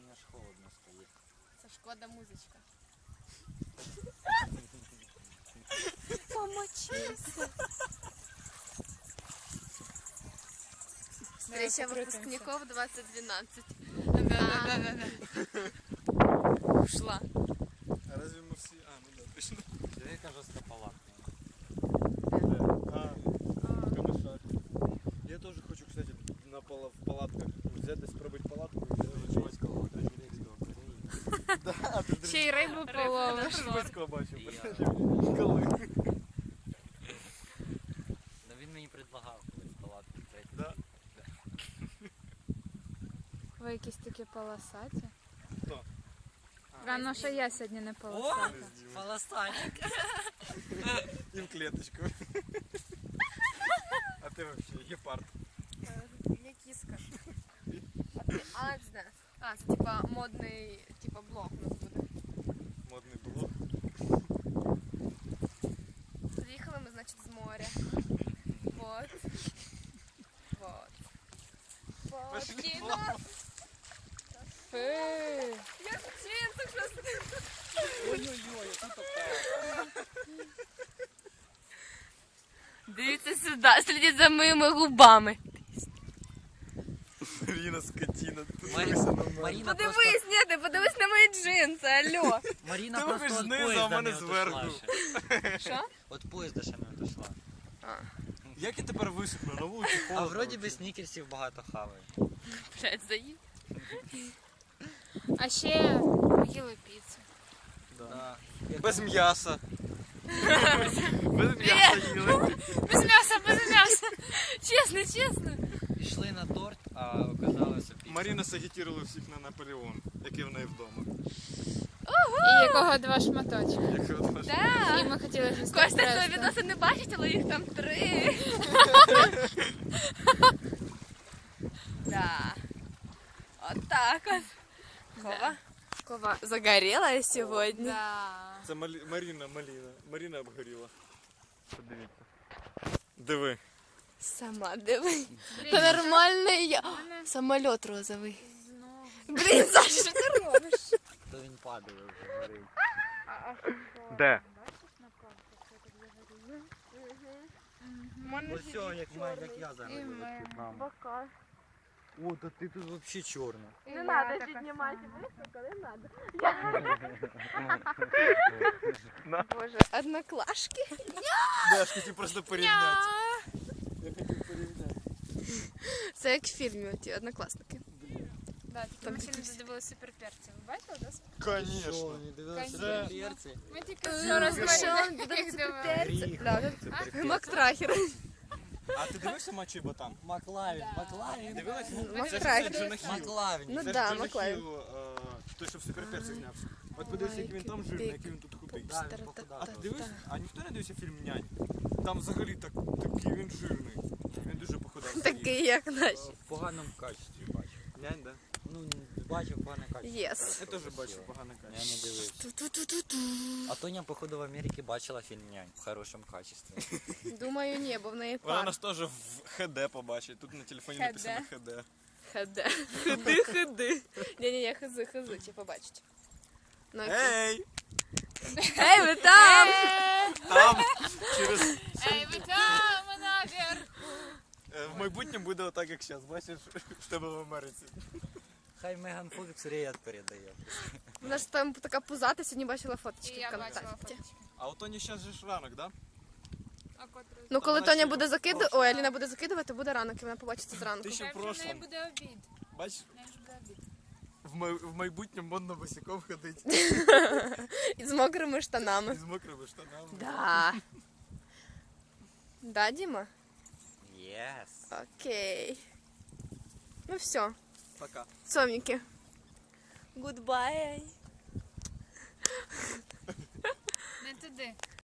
Мені аж холодно стає. Це шкода музичка. Помочися. Встреча выпускников 2012. Ушла. А разве мы все... А, ну да, точно. Яка жорстка палатка. Камышак. Я тоже хочу, кстати, в палатках взять и спробовать палатку. Чувацького Трежурецького береги. Да, ты Ще й рибу половиш. Трежурецького бачив. І я. Коли? Ну він мені предлагав колись палатку взяти. Да. Ви якісь такі полосаті. Хто? Рано, що я сьогодні не О, полосата. полосатик. И в клеточку. А ты вообще гепард. Я кіска. А, не знаю. А, це типа модний типа блог у нас буде. Модный блог. Приїхали ми, значить, з моря. Вот. Вот. Вот. Пошли Кіно. Фу. Я в джинсах просто. Ой-ой-ой, а тут такая. Дивіться сюди, слідіть за моїми губами. Марина, скотина. Ты Марина, дивися на мене. Марина просто... Подивись, ні, ти подивись на мої джинси, алло. Марина Ти просто вибач от знизу, а поїзда в мене не зверху. отошла ще. Що? От поїзда ще не отошла. А, Як я тепер висохну? На вулиці А холодно. вроді би снікерсів багато хаває. блядь, заїв. А ще їли піцу. Да. Як Без там- м'яса. Без м'яса їли. Без м'яса, без м'яса. Чесно, чесно. Пішли на торт, а оказалося піца. Маріна сагітірувала всіх на Наполеон, який в неї вдома. І якого два шматочки. Як от ваш- І ми хотіли ж Костя свої відоси не бачить, але їх там 3. Да. Вот так вот. Кова. Кова загорела сегодня. Да. Це Маріна Маліна. Маріна обгоріла. Подивіться. Диви. Сама диви. Це нормальний я. мене Самоліт розовий. знову. Блін, Саша, що ти робиш? То він падає вже горить. Де? Бачиш на картах, я так загорію? Ось все, як я зараз. І ми. Бока. О, та ти тут взагалі чорна. І Не я надо така піднімати сама. високо, не надо. На. Боже, одноклашки. Да, я ж хотів просто порівняти. Я хотів порівняти. Це як в фільмі ті однокласники. Да, тільки ми ще не додивилися суперперців. Ви бачили, да? Конечно. не дивилися Конечно. перці? Ми тільки Що що розмовляли. Гріх. Мактрахер. А ти дивився матчі Ботан? Маклавін, Маклавін. Дивилась? Мактрахер. Це Джона Хілл. Маклавін. Ну Це ж да, Джона Маклавін. Хілл, той, що в суперперці знявся. От подивися, який він там жирний, який він тут худий. Да, він похудав. А ти дивився? А ніхто не дивився фільм «Нянь»? Там взагалі такий він жирний. Він дуже похудав. Такий, як наші. В поганому качестві бачив. Нянь, да? Ну, бачив погане качество. Єс. Я теж бачив погане Я качество. не дивився. Ту-ту-ту-ту-ту. А Тоня, походу, в Америці бачила фільм «Нянь» в хорошому качестві. Думаю, ні, бо в неї Вона пар. нас теж в ХД побачить. Тут на телефоні написано ХД. Ходи. Ходи, ходи. Ні-ні-ні, хизи, чи побачить. Ну, окей. Ей! Ей, ви там! Там! Через... Ей, ви там, наверх! В майбутньому буде отак, як зараз. Бачиш, в тебе в Америці. Хай Меган Фокс привіт передає. Вона ж там така пузата, сьогодні бачила І фоточки я в бачила контакті. фоточки. А у Тоні зараз же ж ранок, да? А котрий? Ну, коли вона Тоня ще буде в закидувати, прошлому. ой, Аліна буде закидувати, буде ранок, і вона побачить це зранку. Ти ще в В неї прошлому. буде обід. Бачиш, В неї ж буде обід. в майбутньому модно босиком ходить. І з мокрими І штанами. з мокрими штанами. Да. Да, Діма? Єс. Окей. Ну все, Пока. цоміки. Goodbye. Не туди.